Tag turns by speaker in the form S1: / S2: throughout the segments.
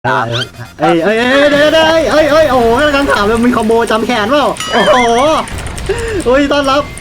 S1: เดี๋ยวโอ้โหกำลังถามเลยมีคอมโบจำแขนเปล่าโอ้โหต้อนรับ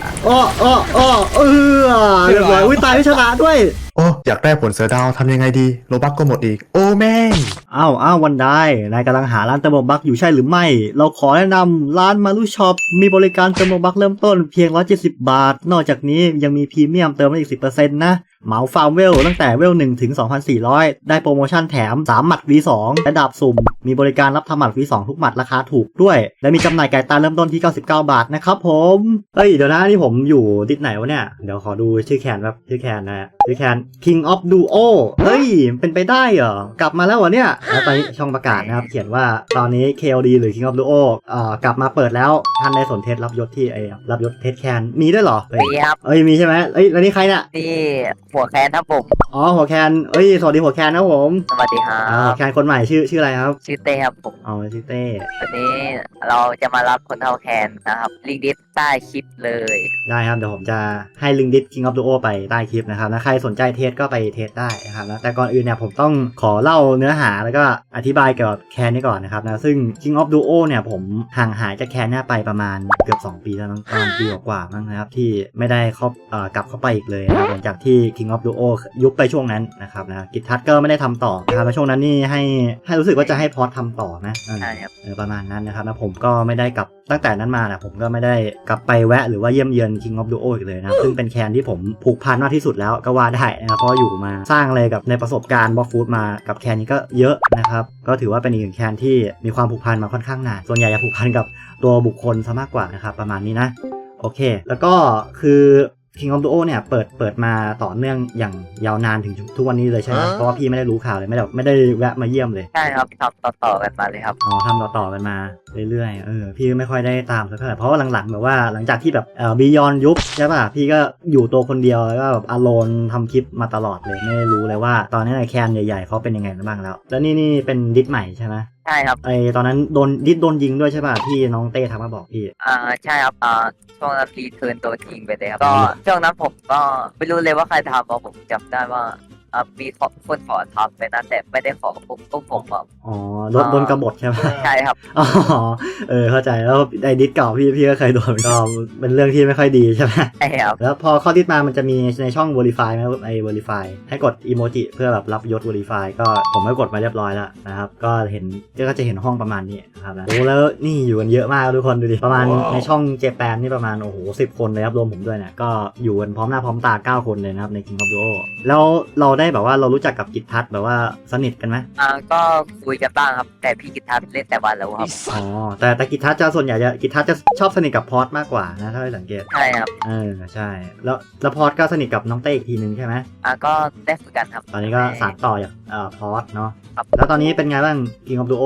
S1: เรียบร้อยตายไม่ชนะด้วย
S2: โอ้อยากได้ผลเสือดาวทำยังไงดีโลบักก็หมดอีกโอ้แม่ง
S1: อ้าววันได้นายกำลังหาร้านเติมโลบักอยู่ใช่หรือไม่เราขอแนะนำร้านมารุช็อปมีบริการเติมโลบักเริ่มต้นเพียง170 บาทนอกจากนี้ยังมีพรีเมียมเติมได้อีก 10% นะเหมาฟาร์มเวลตั้งแต่เวล1ถึง 2,400 ได้โปรโมชั่นแถม3หมัด V2 และดาบสุ่มมีบริการรับทำหมัด V2 ทุกหมัดราคาถูกด้วยและมีจำหน่ายไก่ตาเริ่มต้นที่99 บาทนะครับผมเดี๋ยวนะนี่ผมอยู่ดิสไหนวะเนี่ยเดี๋ยวขอดูชื่อแคนแบบชื่อแคนนะชื่อแคน King of Duo เป็นไปได้เหรอกลับมาแล้ววะเนี่ยแล้วตอนนี้ช่องประกาศนะครับเขียนว่าตอนนี้ KOD หรือ King of Duo กลับมาเปิดแล้วท่านได้สนเทศรับยศที่รับยศเทศแคนมีด้วยเหรอ
S3: มีครับ
S1: มีใช่ไหมแล้วนี่ใครเนี่ย
S3: นี่หัวแคนครับผม
S1: หัวแคนสวัสดีหัวแคนนะผม
S3: สวัสดีครับ
S1: หัวแคนคนใหม่ชื่ออะไรครับ
S3: ชื่อเต้ครับผม
S1: ชื่อเต้
S3: วันนี้เราจะมารับคนเท่าแคนนะครับลิงก์ดิสใต้คลิปเลย
S1: ได้ครับเดี๋ยวผมจะให้ลิงก์ดิส King of Duo ไปใต้คลิปนะครับนะใครสนใจเทสก็ไปเทสได้นะครับนะแต่ก่อนอื่นเนี่ยผมต้องขอเล่าเนื้อหาแล้วก็อธิบายเกี่ยวกับแคนนี้ก่อนนะครับนะซึ่ง King of Duo เนี่ยผมห่างหายจากแคนนี้ไปประมาณเกือบ2 ปีแล้วนะประมาณปีกว่าๆมั้งนะครับที่ไม่ได้กลับเข้าไปอีกเลยนะครับหลังจากที่ King of Duo ยุบไปช่วงนั้นนะครับนะกิจทัศน์ก็ไม่ได้ทำต่อนะครับแล้วช่วงนั้นนี่ให้รู้สึกว่าจะให้พอดทำต่อนะ
S3: ใช่ครับ
S1: ประมาณนั้นนะครับแล้วผมก็ไม่ได้กลับตั้งแต่นั้นมานะผมก็ไม่ได้กลับไปแวะหรือว่าเยี่ยมเยือน King of Duo อีกเลยนะซึ่งเป็นแคนที่ผมผูกพันมากที่สุดแล้วก็ว่าได้นะครับเพราะอยู่มาสร้างอะไรกับในประสบการณ์บล็อกฟูดมากับแคนนี้ก็เยอะนะครับก็ถือว่าเป็นอีกหนึ่งแคนที่มีความผูกพันมาค่อนข้างนานส่วนใหญ่จะผูกพันกับตัวบุคคลซะมากกว่านะครับประมาณนี้นะโอเคแล้วก็คือ King of Duo เนี่ยเปิดมาต่อเนื่องอย่างยาวนานถึงทุกวันนี้เลยใช่ไหมเพราะว่าพี่ไม่ได้รู้ข่าวเลยไม่ได้แวะมาเยี่ยมเลย
S3: ใช่ครับทำต่อกันมาเลยครับ
S1: ทำต่อกันมาเรื่อยๆพี่ไม่ค่อยได้ตามสักเท่าไหร่เพราะว่าหลังๆแบบว่าหลังจากที่แบบบียอนยุบใช่ป่ะพี่ก็อยู่ตัวคนเดียวแล้วก็แบบอโลนทำคลิปมาตลอดเลยไม่รู้เลยว่าตอนนี้แคนใหญ่ๆเขาเป็นยังไงบ้างแล้วนี่เป็นดิสใหม่ใช่ไหม
S3: ใช่ครับ
S1: ตอนนั้นโดนยิงด้วยใช่ป่ะที่น้องเต้ทักมาบอกพี่
S3: ใช่ครับช่วงนั้นรีเทิร์นตัวจริงไปเลยครับก็ช่วงนั้นผมก็ไม่รู้เลยว่าใครทำเพราะผมจำได้ว่ามีคนขอทำไปนะแต่ไม่ได้ขอผมแบบ
S1: โดนกบฏใช่ไหม
S3: ใช่ครับ
S1: เข้าใจแล้วไอ้ดิสเก่าพี่ก็เคยโดนก็เป็นเรื่องที่ไม่ค่อยดีใช่ไหม
S3: ใช่ครับ
S1: แล้วพอเข้าดิสมามันจะมีในช่อง Verify ไหมVerify ให้กดอีโมจิเพื่อแบบรับยศ Verify ก็ผมก็กดมาเรียบร้อยแล้วนะครับก็จะเห็นห้องประมาณนี้ครับนะแล้วนี่อยู่กันเยอะมากทุกคนดูดิประมาณในช่องเจแปนนี่ประมาณ10 คนเลยครับรวมผมด้วยเนี่ยก็อยู่กันพร้อมหน้าพร้อมตา9 คนเลยนะครับใน King of Duo แล้วเราได้แบบว่าเรารู้จักกับกิจทัศน์แบบว่าสนิทกันไหม
S3: ก็คุยกันบ้างครับแต่พี่กิจทัศน์เล่นแต่วันแล้วครับ
S1: แต่กิจทัศน์จะส่วนใหญ่กิจทัศน์จะชอบสนิทกับพอดมากกว่านะถ้าได้สังเกต
S3: ใช่ครับ
S1: ใช่แล้วพอดก็สนิทกับน้องเต้อีกทีนึงใช่ไหม
S3: ก็ได้ฝึกกันครับ
S1: ตอนนี้ก็สานต่อจากพอดเนาะแล้วตอนนี้เป็นไงบ้าง King of Duo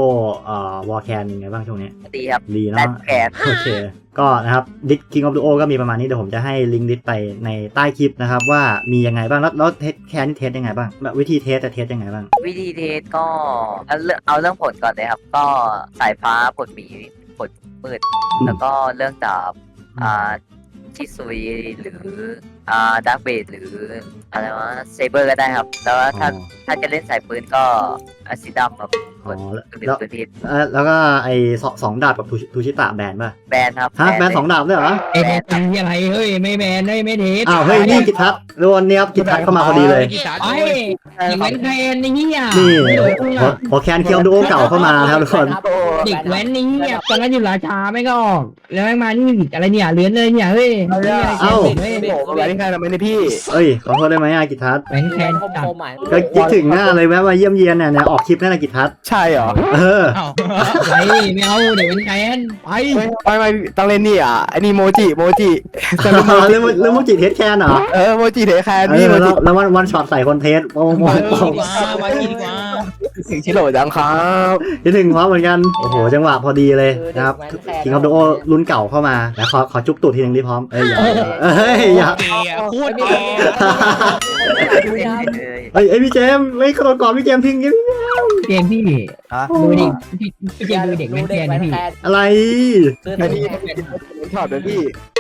S1: Warcan ยังไงบ้างช่วงนี้
S3: ดีครับ
S1: ดีเนาะโอเคก็นะครับดิส King of Duo ก็มีประมาณนี้เดี๋ยวผมจะให้ลิงก์ดิสไปในใต้คลิปนะครับว่ามียังไงบ้างแล้วเทสแคนนี่เทสยังไงบ้างวิธีเทสจะเทสยังไงบ้าง
S3: วิธีเทสก็เอาเรื่องผลก่อนเลยครับก็สายฟ้าผลหมีผลมืดแล้วก็เรื่องจากชิซุยหรือดาร์กเบดหรืออะไรวะเซเบอร์ก็ได้ครับแล้วถ้าจะเล่นสายปืนก็ซิดัมครับ
S1: แล้วก็ไอ้2 ดาบกับทูชิตะแบนป่ะ
S3: แบนครับ
S1: แบน2 ดาบด้วยเหรอ
S4: แบนอะไรเฮ้ยไม่แบนไม่เทส
S1: เฮ้ยนี่กิจทัศน์รวนเนี่ยครับกิจทัศน์เข้ามาพอดีเลย
S4: อีกแว้นแคนนี่
S1: พอแคนเคียวดูโอเก่าเข้ามาครับทุกคน
S4: เด็กแว้นนี่ตอนนั้นอยู่ราชาไม่ก็ออกแล้วมานี่อะไรเนี่ยเลื้อนเลยเนี่ยเฮ้ย
S2: อะไรนี่ใครทำไมเนี่ยพี่
S1: ขอโทษได้ไหมกิจทัศน์
S4: แว้นแคน
S1: ก็คิดถึงหน้าเลยแวะมาเยี่ยมเยียนเนี่ยออกคลิปนั่นแหละกิจทัศน์
S2: ใช่เหรอ
S4: ไม่เอาเดี๋ยวเป็นแคน
S2: ไปต้องเล่นนี่อันนี้โมจิ
S1: เรื่องโมจิเทสแคนเหรอ
S2: โมจิเทสแคนนี่
S1: แล้ววันช็อตใส่คนเทส
S4: มาดีกว่า
S2: ถึงชิโร่จังครับ
S1: คิดถึงพร้อมเหมือนกันโอ้โหจังหวะพอดีเลยนะครับKing of Duoรุ่นเก่าเข้ามาแล้วขอจุ๊บตูดทีนึงดิพร้อมอย่า
S4: พูด
S1: พี่เจมไม่กระโดดก่อนพี่เจมทิ้ง
S4: เกมพี่ดูดิพี่เจมดูเด็กแว้นแคนนะพี่
S1: อะไร
S2: ชอบเลยพี่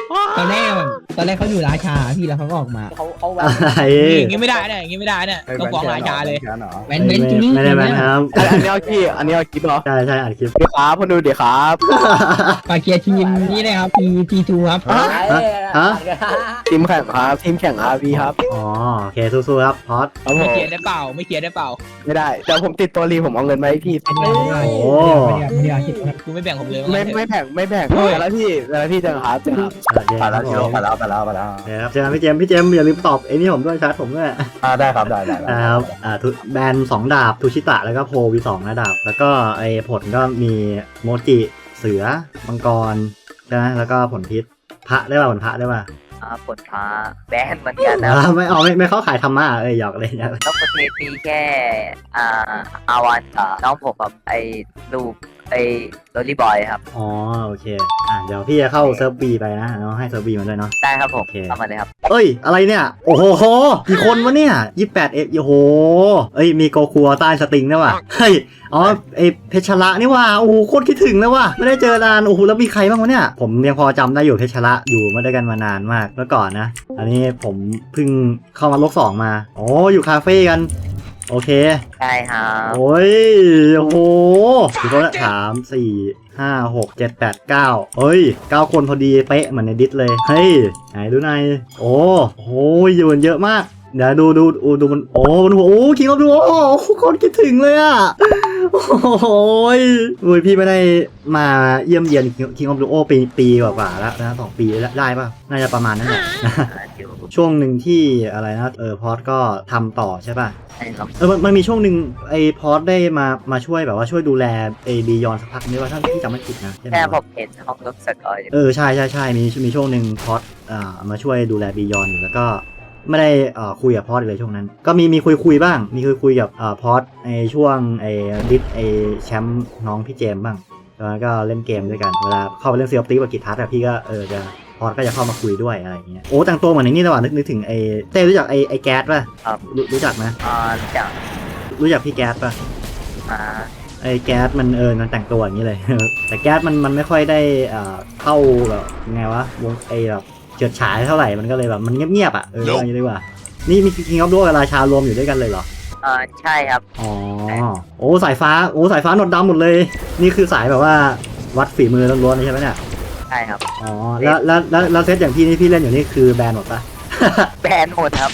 S4: ตอนแรกเขาอยู่ราชาพี่แล้วเขาก็ออกมา
S5: เขาแบ
S1: อะ
S5: บ
S1: ไร
S6: อย่างงี้ไม่ได้เนี่ยอย่างงี้ไม่ได้เนี่ยต้องฟ้องราชาเลย
S4: แว้นจริง
S1: ไม่ได้แบนครับ
S5: อันนี้เอาขี้อันนี้เอาคลิปเหรอ
S1: ใช่อัดคลิป
S5: เดี๋ยวครับคนดูเดี๋ยวครับ
S4: ฝากเกียร์ทีมนี่เลยครับT2 ครับ
S1: ฮะ
S5: ทีมแข่งครับทีมแข่ง RV ครับ
S1: อ๋อโอเคสู้ๆครับพอด
S5: ครับผ
S6: ไม่
S5: ม
S6: เคลียร์ได้เปล่าไม่เคลียร์ได้เปล่า
S5: ไม่ได้เดี๋ยวผมติดตัวรีผมเอาเงินมาให้พี่
S4: ไม่ได้คิด
S6: กูไม่แบ่งผมเลย
S5: ไม่แบ่งแต่ละพี่เจอครับเจอครับ
S1: โอเคครับผม
S2: ไปแล้ว
S1: เดี๋ยวครับเจอกันพี่เจมส์อย่าลืมตอบไอ้นี่ผมด้วยชาร์จผมด้วย
S2: ได้ครับได้
S1: นะครับแบน2 ดาบทูชิตะแล้วก็โพวี2นะดาบแล้วก็ไอ้ผลก็มีโมจิเสือมังกรใช่ไหมแล้วก็ผลพิษพระได้ป่ะผลพระได้ป่ะ
S3: ผลฟ้าแบนเหมือนกันนะ
S1: ไม่เข้าขายธรรมะหยอกเลยนะ
S3: นอกประเทศมีแค่อาวันกับน้องผมกับไอ้ลูกไอ้โรลลี่บอยครับ
S1: อ๋อโอเคเดี๋ยวพี่จะเข้าเซิร์ฟบีไปนะเนาะให้เซิร์ฟบีมาด้วยเนาะ
S3: ได้ครับผม
S1: โอเค
S3: เข้ามาเลยครับ
S1: เอ้ยอะไรเนี่ยโอ้โหกี่คนวะเนี่ย28โอ้โหเอ้ยมีโกคัวใต้สติงด้วยว่ะเฮ้ยอ๋อไอเพชรละนี่ว่าโอ้โหโคตรคิดถึงแล้วว่ะไม่ได้เจอนานโอ้โหแล้วมีใครบ้างวะเนี่ยผมยังพอจำได้อยู่เพชรละอยู่มาด้วยกันมานานมากเมื่อก่อนนะอันนี้ผมเพิ่งเข้ามาโลก2มาโอ้อยู่คาเฟ่กันโอเค
S3: ใช่ครับ
S1: โอ้ยโอ้โหกี่คนละ3 4 5 6 7 8 9เฮ้ย9 คนพอดีเป๊ะเหมือนในดิสเลยเฮ้ยไหนดูหน่อยโอ้โหอยู่กันเยอะมากเดี๋ยวดูมันโอ้มันโอ้คิงออฟดูโอ้คนคิดถึงเลยอ่ะโอ้ยพี่ไม่ได้มาเยี่ยมเยียนคิงออฟดูโอปีกว่าๆแล้วนะ2 ปีได้ป่ะน่าจะประมาณนั้นแหละ
S3: อยู่
S1: ช่วงหนึ่งที่อะไรนะพอดก็ทำต่อใช่ป่ะ
S3: ใช่ครับ
S1: มันมีช่วงหนึ่งไอ้พอดได้มาช่วยแบบว่าช่วยดูแลไอ้บียอนสักพักนึงว่าถ้าพี่จำไม่ผิดนะใช่ไหม
S3: แค่ผ
S1: วะ
S3: มเห็นห้องรถสกอยอยู่
S1: ใช่มีช่วงหนึ่งพอดมาช่วยดูแลบียอนอยู่แล้วก็ไม่ได้คุยกับพอดเลยช่วงนั้น ก็มีคุยบ้างมีคุยกับพอดในช่วงไอ้ดิสไอ้แชมป์น้องพี่เจมส์บ้างแล้วก็เล่นเกมด้วยกันเวลาเข้าไปเล่นซีออฟตีกับกิจทัศน์พี่ก็จะพอดก็จะเข้ามาคุยด้วยอะไรอย่างเงี้ยโอ้แต่งตัวเหมือนไอ้นี่ระหว่างนึกถึงไอ้เต้รู้จักไอ้แก๊สป่ะ
S3: ครับ
S1: รู้จักไหม
S3: จาก
S1: รู้จักพี่แก๊สป่ะ
S3: อ่า
S1: ไอ้แก๊สมันมันแต่งตัวอย่างนี้เลย แต่แก๊สมันไม่ค่อยได้เข้าแบบไงวะวงแบบเฉิดฉายเท่าไหร่มันก็เลยแบบมันเงียบๆอย่างนี้ดีกว่านี่มีคิงออฟโลกับราชารวมอยู่ด้วยกันเลยเหรอ
S3: ใช่ครับ
S1: อ๋อโอ้สายฟ้าหนวดดำหมดเลย นี่คือสายแบบว่าวัดฝีมือล้วนๆเลยใช่ไหมเนี่ย
S3: ใช่ครับ
S1: อ๋อแล้วเซตอย่างพี่นี่พี่เล่นอยู่นี่คือแบนหมดปะ
S3: แบนหมดครับ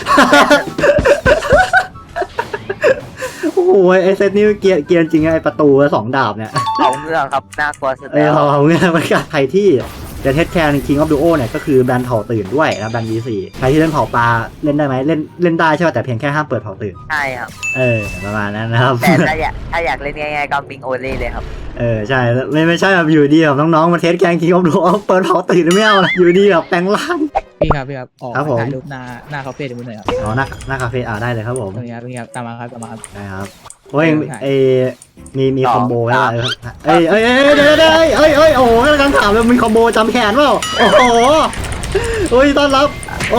S1: โอ้โหไอเซตนี่เกียร์จริงไอประตู2 ดาบเนี่ย
S3: เอาเรื่องครับน่ากลัวสุดแล้ว
S1: เอาเงี้ยมันก็ใครที่จะเทสแคร์ King of Duo เนี่ยก็คือแบนเผาตื่นด้วยนะแบน V4 ใครที่เล่นเผาปลาเล่นได้ไหมเล่นได้ใช่ป่ะแต่เพียงแค่ห้ามเปิดเผาตื่น
S3: ใช่ครับ
S1: ประมาณนั้นนะครับ
S3: แต่ถ้าอยากเล่นง่ายๆก็บิงโอเล่เลยครับ
S1: ใช่ไม่ใช่แบบอยู่ดีแบบน้องๆมาเทสแคร์ King of Duo เปิดเผาตื่นไม่เอานะอยู่ดีแบบแปลงร่าง
S6: พี่ครับออก
S1: ครับผม
S6: ถ่ายรูปหน้าคาเฟ่เดี๋ยวมึงหน่อยครับ
S1: อ๋อหน้าคาเฟ่ได้เลยครับผม
S6: ตรงนี้ครับตามมาครับ
S1: ได้ครับโอ้ยมีคอมโบไหมเดี๋ยวโอ้โหกำลังถามเลยมีคอมโบจำแขนเปล่าโอ้โหโอ้ยต้อนรับ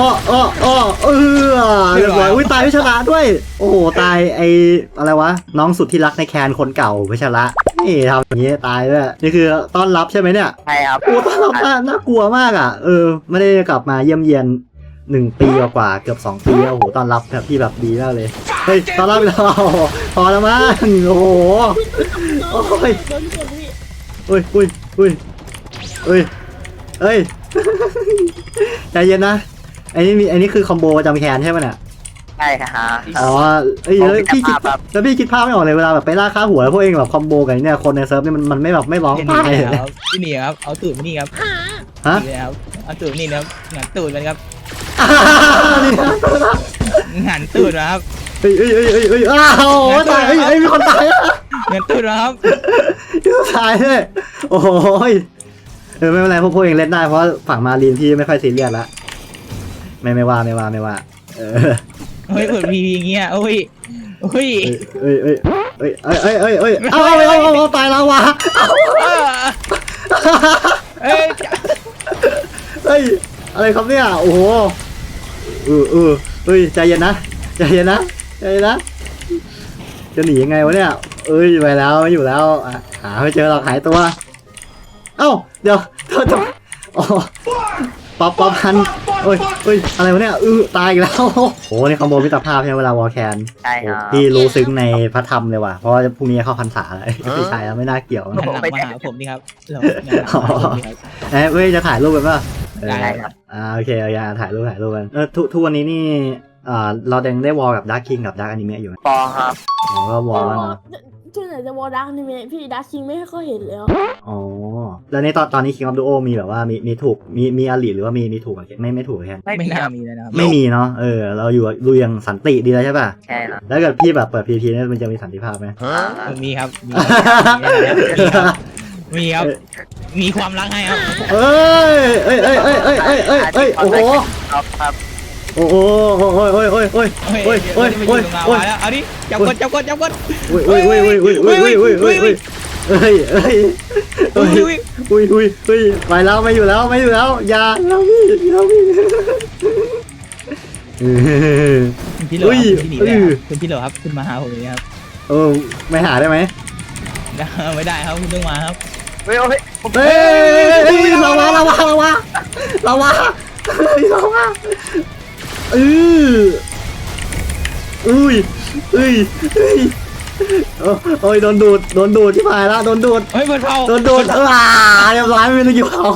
S1: เรียบร้อยอุ้ยตายพิชระด้วยโอ้โหตายอะไรวะน้องสุดที่รักในแคนคนเก่าพิชระนี่ทำอย่างนี้ตายด้วยนี่คือต้อนรับใช่ไหมเนี่ย
S3: ใช่ครับ
S1: โอ้ต้อนรับน่ากลัวมากอ่ะไม่ได้กลับมาเยี่ยมเยียน1 ปีกว่าเกือบ2 ปีแล้วโอ้โหต้อนรับแบบพี่แบบดีมากเลยเฮ้ยต้อนรับเราพอแล้วมั้งโอ้โหโอ้ยใจเย็นนะไอ้นี่คือคอมโบประจำแคนใช่ไหมเนี่ย
S3: ใช่ครับ
S1: อ๋อพี่คิดแล้วพี่คิดภาพไม่ออกเลยเวลาแบบไปล่าค่าหัวแล้วพวกเองแบบคอมโบกันเนี่ยคนในเซิร์ฟนี่มันไม่แบบไม่ร้อง
S6: พี่
S1: ไห้
S6: นี่
S1: เลย
S6: ครับพี่นี่ครับเอาตูดมานี่ครับ
S1: ฮะ
S6: นี่ครับเอาตูดนี่นะครับหันตูดมันครับหันตูดนะครับ
S1: อ้าวตายมีคนตายอ่ะ
S6: หันตูดนะครับ
S1: ตายเลยโอ้ยไม่เป็นไรพวกเองเล่นได้เพราะฝั่งมารีนพี่ไม่ค่อยซีเรียสละไม่ว่า
S6: เฮ้ยเปิดพีอย่างเงี้ยโอ้ย
S1: เอาตายแล้ววะเฮ้ยอะไรครับเนี่ยโอ้โหใจเย็นนะจะหนียังไงวะเนี่ยไปแล้วไม่อยู่แล้วหาไม่เจอหรอกหายตัวเอ้าเดี๋ยวโอ้ป๊อปพันเอ้ยอะไรวะเนี่ยตายอีกแล้วโอ้นี่คอมโบมิตรภาพใช่ไหมเวลาวอลแคน
S3: ใช่ครับ
S1: พี่รู้ซึ้งในพระธรรมเลยว่ะเพราะว่าพรุ่งนี้เข้าพรรษาแล้วไม่ใช่แล้วไม่น่าเกี่ยว
S6: หันหลังมาหาผมนี่ครับเราหันหลังมาหาผมนี่ครับ
S1: เว้ยจะถ่ายรูปกันป่ะ
S6: ได้
S3: ครับ
S1: โอเคถ่ายรูปกันทุกวันนี้นี่เรายังได้วอลกับดาร์คคิงกับดาร์คอนิเมะอยู่ไหม
S3: ปอครับ
S1: อ๋อก็วอลแล้วเนาะ
S7: ช่วงไหนจะวอลดักนี่พี่ดักคิงไม่ค่อยเห็นแล้ว
S1: อ๋อแล้วในตอนนี้ King of Duo มีแบบว่ามีถูกมีอลิหรือว่ามีถูกกับไม่ถูกกับแคน
S6: ไม่
S3: มี
S6: น่า
S3: ครับ
S6: มีเลยนะครับ
S1: ไม่มีเนาะเราอยู่อย่างสันติดีแล้วใช่ป่ะ
S3: ใช่ครับ
S1: แล้วเกิดพี่แบบเปิด PVP เนี่ยมันจะมีสันติภาพไหม
S6: มีครับมีครับมีความรักให้ครับ
S1: เอ้ยโอ้โห
S3: ครับ
S1: โอ้ย
S6: เอาดิจับกด
S1: ไปแล้วไม่อยู่แล้วอย่าพี่
S6: คุณพี่เหรอครับคุณมาหาผมเลยครับ
S1: ไม่หาได้ไหม
S6: ไม่ได้ครับคุณต้องมาครับ
S3: เฮ้ย
S1: เราวะโอ้ยโดนดูดที่ผ่านแล้วโดนดูด
S6: เฮ้ยเปิดเผา
S1: เรียบร้อยไม่รู้กี่เผา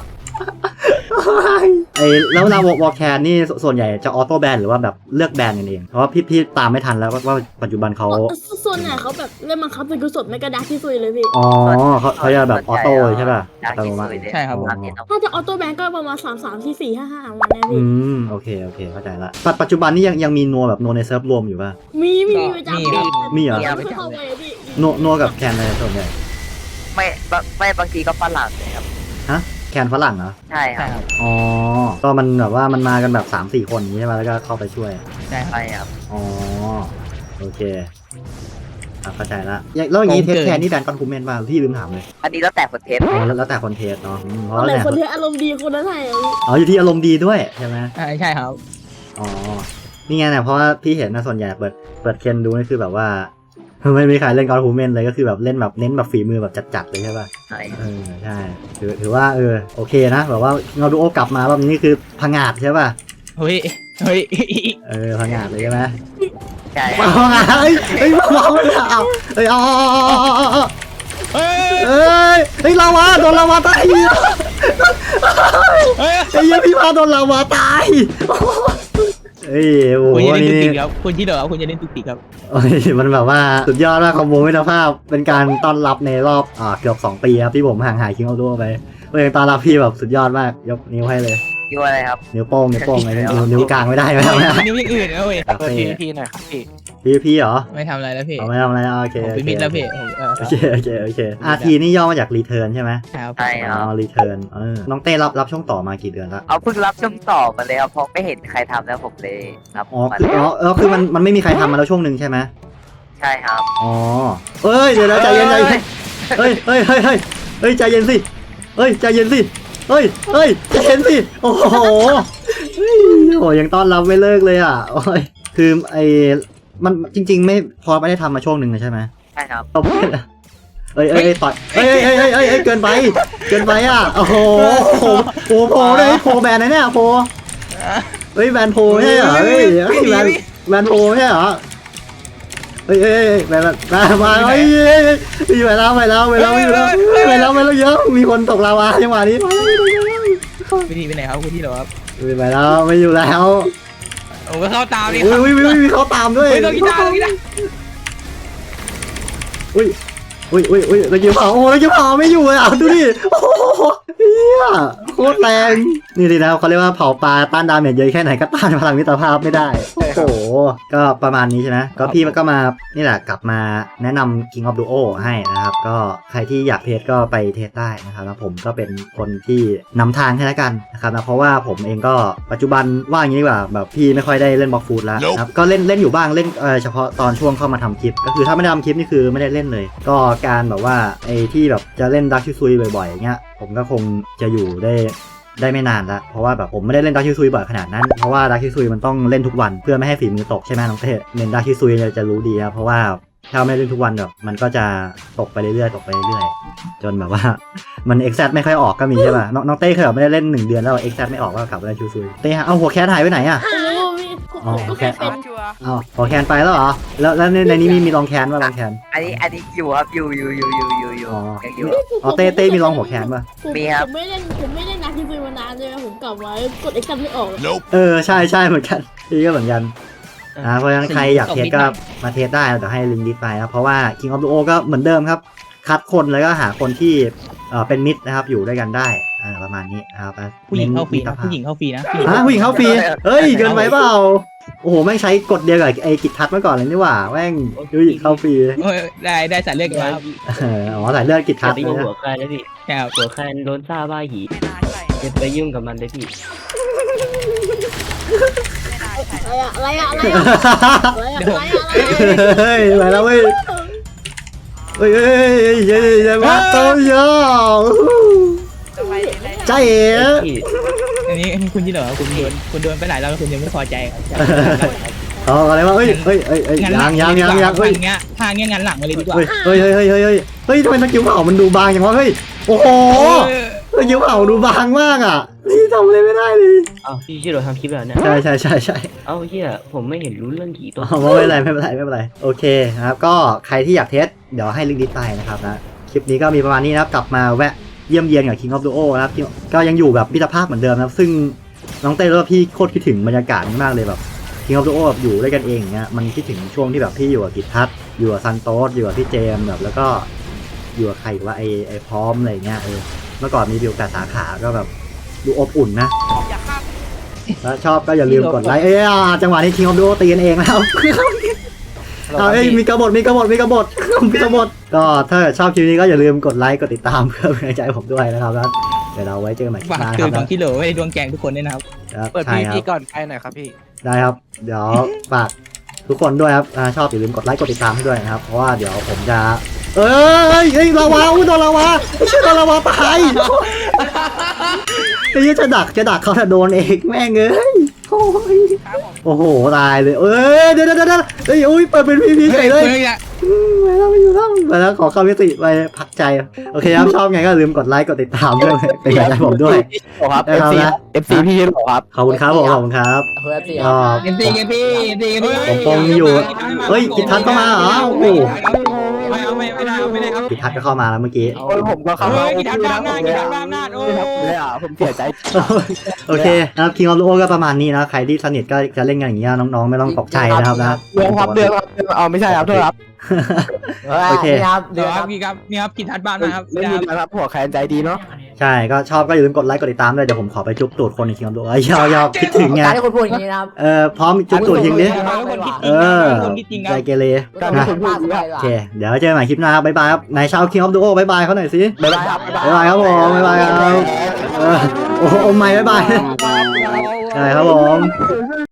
S1: แล้วเวลาวอลแคนนี่ส่วนใหญ่จะออโต้แบนหรือว่าแบบเลือกแบนกันเองเพราะว่าพี่ตามไม่ทันแล้วว่าปัจจุบันเขา
S7: ส่วนไหนเขาแบบเล่นบังคับเป็นกุศลไม่กระดักที่สุดเลยพี่
S1: อ๋อเขาจะแบบออโต้ใช่ป่ะอัตโนมัติ
S6: ใช่ครับผม
S7: ถ้าจะออโต้แบงก็ประมาณ3 4 4 5 5วันนะพี่
S1: โอเคเข้าใจละปัจจุบันนี้ยังมีนัวแบบนัวในเซิร์ฟรวมอยู่ป่ะ
S7: มีประจำ
S1: มีเหรอ
S7: ไม่เข้าไปพี่
S1: นัวกับแคนอะไรส่วนใหญ่
S3: ไม่บางทีก็ฝรั่งเลยครับ
S1: แคนฝรั่งเหรอ
S3: ใช่ค
S6: ใช่
S3: รับ
S6: ครับ
S1: อ๋อก็มันแบบว่ามันมากันแบบ 3-4 คนอย่างนี้ใช่ป่ะแล้วก็เข้าไปช่วย
S6: ใช่ครับ
S3: ใช่ครับ
S1: อ๋อโอเคเข้าใจละแล้วอย่างนี้เทสแคนนี่แบนคอนคูเมนต์ป่ะพี่ลืมถามเลย
S3: อันนี้แล้วแต่คนเทส
S1: อ๋อแล้วแต่คนเทสเนาะเพราะ
S7: คนไหน
S1: แต่
S7: คนที่อารมณ์ดีคนนั้นให้
S1: อ๋ออยู่ที่อารมณ์ดีด้วยใช่ไหม
S6: ใช่ครับ
S1: อ๋อนี่ไงเนี่ยเพราะว่าพี่เห็นนะส่วนใหญ่เปิดเคนดูนี่คือแบบว่าไม่มีใครเล่นคอนคูเมนต์เลยก็คือแบบเล่นแบบเน้นแบบฝีมือแบบจัดๆเลยใช่ป่ะ
S3: ใช่
S1: ใช่ถือว่าโอเคนะแบบว่าเงาดูโอกลับมาแบบนี้คือพังงาดใช่ป่ะ
S6: เฮ้ย
S1: พังงาดเลยใช่ไหม
S3: ใช่
S1: พังงาดมาเลยเอาลาวาโดนลาวาตายพี่พาโดนลาวาตายโอ้โห
S6: คุณจะเล่น
S1: นี่
S6: ตุกติกครับคุณที่เหรอคุณจะเล่นตุกติกครับ
S1: มันแบบว่าสุดยอดมากคอมโบมิตรภาพเป็นการต้อนรับในรอบเกือบ2 ปีครับที่ผมห่างหายคิงเอาด้วยไปเป็นต้อนรับพี่แบบสุดยอดมากยกนิ้วให้เลย
S3: อยู่อะไรครับ
S1: นิ้วโป้งอะไรนิ้วกลางไม่ได้ไหม
S6: นิ้วยังอื่นนะเว้ย
S5: พี่หน่อยครับพี่
S1: พี่เหรอ
S6: ไม่ทำอะไรแล้วพี่
S1: ไม่ทำอะไรโอเค
S6: ผมเป็นมิดแล้วพี่
S1: โอเคRTนี่ย่อมาจากรีเทิร์นใช่ไหม
S6: ครับ
S3: ใช่ครับ
S1: รีเทิร์นน้องเต้รับช่วงต่อมากี่เดือนแล้ว
S3: เอาเพิ่งรับช่วงต่อมาเลยครับเพราะไม่เห็นใครทำแล้วผมเลยครับ
S1: คือมันไม่มีใครทำมาแล้วช่วงหนึ่งใช่ไหม
S3: ใช่ครับ
S1: อ๋อเดี๋ยวใจเย็นเฮ้ยใจเย็นสิใจเย็นสิใจเย็นสิโอ้โหยังต้อนรับไม่เลิกเลยอ่ะคือมันจริงๆไม่พอไม่ได้ทำมาช่วงหนึ่งใช่ไหม
S3: ใช่ครับ
S1: ต่อยต่อยเกินไปอ่ะโอ้โหโผล่เลยโผล่แบนไหนเนี่ยโผล่แบนโผล่ใช่เหรอแบนโผล่ใช่เหรอแบนมาไปแล้วเยอะมีคนตกลาวาจังหวะนี้
S6: วิธีไปไหนครับคุณที่เหรอครับ
S1: ไปแล้วไม่อยู่แล้ว
S6: ผมก็เข้าตามเลยค
S1: อุ้
S6: รับ
S1: ยมีเขาตามด้วย
S6: ต้องกีตาร์
S1: อุ้ยตะกี้เผาไม่อยู่เลยอ่ะดูดิโอ้โหเฮียโคตรแรงนี่สินะเขาเรียกว่าเผาปลาต้านดาเมจเยอะแค่ไหนก็ต้านพลังมิตรภาพไม่ได้โอ้โหก็ประมาณนี้ใช่ไหมก็พี่มันก็มานี่แหละกลับมาแนะนำ King of Duo ให้นะครับก็ใครที่อยากเทสก็ไปเทสได้นะครับแล้วผมก็เป็นคนที่นำทางให้แล้วกันนะครับนะเพราะว่าผมเองก็ปัจจุบันว่าอย่างนี้ดีกว่าแบบพี่ไม่ค่อยได้เล่นบล็อกฟูดแล้วครับก็เล่นอยู่บ้างเล่นเฉพาะตอนช่วงเข้ามาทำคลิปก็คือถ้าไม่ได้ทำคลิปนี่คือไม่ได้เล่นเลยก็การแบบว่าไอ้ที่แบบจะเล่นดักชิซุยบ่อยๆอย่างเงี้ยผมก็คงจะอยู่ได้ไม่นานละเพราะว่าแบบผมไม่ได้เล่นดักชิซุยบ่อยขนาดนั้นเพราะว่าดักชิซุยมันต้องเล่นทุกวันเพื่อไม่ให้ฝีมือตกใช่ไหมน้องเต้เล่นดักชิซุยจะรู้ดีครับเพราะว่าถ้าไม่เล่นทุกวันแบบมันก็จะตกไปเรื่อยๆตกไปเรื่อยๆจนแบบว่า มันเอ็กซ์ไม่ค่อยออกก็มีใช่ป่ะน้องเต้เคยแบบไม่ได้เล่น1 เดือนแล้วเอ็กซ์ไม่ออกก็กลับไปเล่นชูซุยเต้เอาหัวแคทหายไปไหนอ่ะ
S7: ไม่รู้พี่
S1: อ๋อ
S7: ผมก็แค่เป็น
S1: เอาหัวแคนไปแล้วเหรอแล้วในนี้มีรองแคนป่ะรองแคน
S3: อันนี้อยู่ครับอยู่
S1: อ๋อ
S3: ยังอยู่
S1: อ๋อเต้มีรองหัวแคนป่ะ
S3: มีครับ
S7: ผมไม่เล่นนาทีซุยมานานเลยผมกลับมากดเอ็กซ์ไม่ออก
S1: ใช่เหมือนกันพี่ก็เหมือนกันเพราะฉะนั้นใครอยากเทสก็มาเทสได้เดี๋ยวให้ลิงก์ดิสไปนะเพราะว่า King of Duo ก็เหมือนเดิมครับ คัดคนแล้วก็หาคนที่เป็นมิตรนะครับอยู่ด้วยกันได้ประมาณนี้นะครับ
S6: ผู้หญิงเข้าฟรี
S1: น้น
S6: นะผู้หญิงเข้าฟรีนะ
S1: ผู้หญิงเข้าฟรีเฮ้ยเกินไปเปล่าโอ้โหแม่งใช้กฎเดียวกับไอ้กิจทัศน์เมื่อก่อนเลยนี่หว่าแม่งผู้หญิงเข้าฟรี
S6: โอ้ยได้สายเลือดกันมาครับ
S1: อ๋อสายเลือดกิจทัศน์
S8: ตี
S1: นะ
S8: หัวใครแล้วพี่
S6: ใช่ครับ
S8: หัวใครโดนซ่าบ้าหีอย่าไปยุ่งกับมันเลยพี่
S7: อะไรอะ
S1: เฮ้ยไปแล้วเว้ยเฮ้ยมาโตโยใจเอ๋
S8: พี่
S6: อันนี้คุณที่เหรอคุณโดนไปหลายรอบแล้วคุณยังไม่พอใจครับ
S1: อ๋ออะไรวะเฮ้ยยังเฮ้ย
S6: ทางเงี้ยงานหลังมาเลยดีกว่า
S1: เฮ้ยทำไมสกิลเผามันดูบางอย่างวะเฮ้ยโอ้โหสกิลเผาดูบางมากอ่ะนี่ทำอะไรไม่ได้เลย
S8: อ้าวพี่ชื่อเราทำคลิปแล้วเนี่ย
S1: ใช่
S8: เอ้าเฮียผมไม่เห็นรู้เรื่องผีตัว
S1: ไม่เป็นไรโอเคนะครับก็ใครที่อยากเทสเดี๋ยวให้ลิงก์ดิสไปนะครับนะคลิปนี้ก็มีประมาณนี้นะครับกลับมาแวะเยี่ยมเยียนกับ King of Duo นะครับก็ยังอยู่แบบมิตรภาพเหมือนเดิมนะครับซึ่งน้องเต้แล้วพี่โคตรคิดถึงบรรยากาศนี้มากเลยแบบ King of Duo แบบอยู่ด้วยกันเองอย่างเงี้ยมันคิดถึงช่วงที่แบบพี่อยู่กับกิจทัศน์อยู่กับซันโตสอยู่กับพี่เจมส์แบบแล้วก็อยู่กับใครอีกว่าไอพร้อมอะไรเงี้ยเมื่อก่อนมีวิว8 สาขาก็แบบดูอบอุ่นนะแล้วชอบก็อย่าลืมกดไลค์จังหวะนี้ King of Duo ตีกันเองแล้วมีกบฏก็ถ้าชอบคลิปนี้ก็อย่าลืมกดไลค์กดติดตามเพื่อเป็นกำลังใจให้ผมด้วยนะครับแล้วเดี๋ยวเราไว้เจอกันใหม่คลิป
S6: ฝาก
S1: หน้า
S6: คื
S1: คน รับ
S6: บางที่เหลือไว้ในดวงแกงทุกคนด้วยนะครับ
S5: เปิด
S1: ใช่
S5: พี
S1: ครับ
S5: พีก่อนไปหน่อยครับพี่
S1: ได้ครับเดี๋ยวฝากทุกคนด้วยครับชอบอย่าลืมกดไลค์กดติดตามให้ด้วยนะครับเพราะว่าเดี๋ยวผมจะลาวาโดนลาวาไม่ใช่โดนลาวาตายไอ้ยี่จะดักเขาถ้าโดนเองแม่งเอ้ยโอ้โหตายเลยเดี๋ยวอุ้ยเปิดเป็นพีเฉยเลยไปแล้วขอเข้ามิติไปพักใจโอเคครับชอบไงก็ลืมกดไลค์กดติดตามด้วยเป็นกำลังใจผมด้วย
S5: ครับ FC พี่ชื่อครับ
S1: ขอบคุณครับผมขอบคุณครับก็
S6: เกมพี่
S1: ผมปงอยู่เฮ้ยกิจทัศน์เข้ามาเหรอโอ้โห
S6: ไม่ได้ครับ
S1: กิจทัศน์ก็เข้ามาแล้วเมื่อกี้
S5: โอ้ยผมก็เข้ามา
S6: กีฬาบ้าหน้าโอ้
S5: เลยอ่ะผมเสียใจ
S1: โอเคนะครับ King of Duo ก็ประมาณนี้นะใครที่สนิทก็จะเล่นกันอย่างเงี้ยน้องๆไม่ต้องตกใจนะครับนะ
S5: เดือนครับเอาไม่ใช่ครับโทษครับ
S1: โอเค
S6: ครับนี่ครับกีฬาบ้านนะครับ
S5: ไม่มีนะครับหัวแคนใจดีเนาะ
S1: ใช่ก็ชอบก็อย่าลืมกดไลค์กดติดตามด้วยเดี๋ยวผมขอไปจุ๊บตูดคนใน King of Duo ยาวคิดถึงไง
S9: การที่คุณพูดอย่างนี้นะครับ
S1: พร้อมจุ๊บตูดยิงดิ
S6: คนคิดจริงค
S1: ใจ
S6: รับ
S1: เกเร
S5: การ
S1: นะ
S5: ที่คุณพูดอย่างนี้
S1: โอเคเดี๋ยวเจอกันใหม่คลิปหน้าครับบ๊ายบายครับนายชาว King of Duo บ๊ายบายเขาหน่อยสิ
S5: บ๊ายบายครับ
S1: บ๊ายบายครับผมบ๊ายบายครับโอ้โหไม่บ๊ายบายใช่ครับผม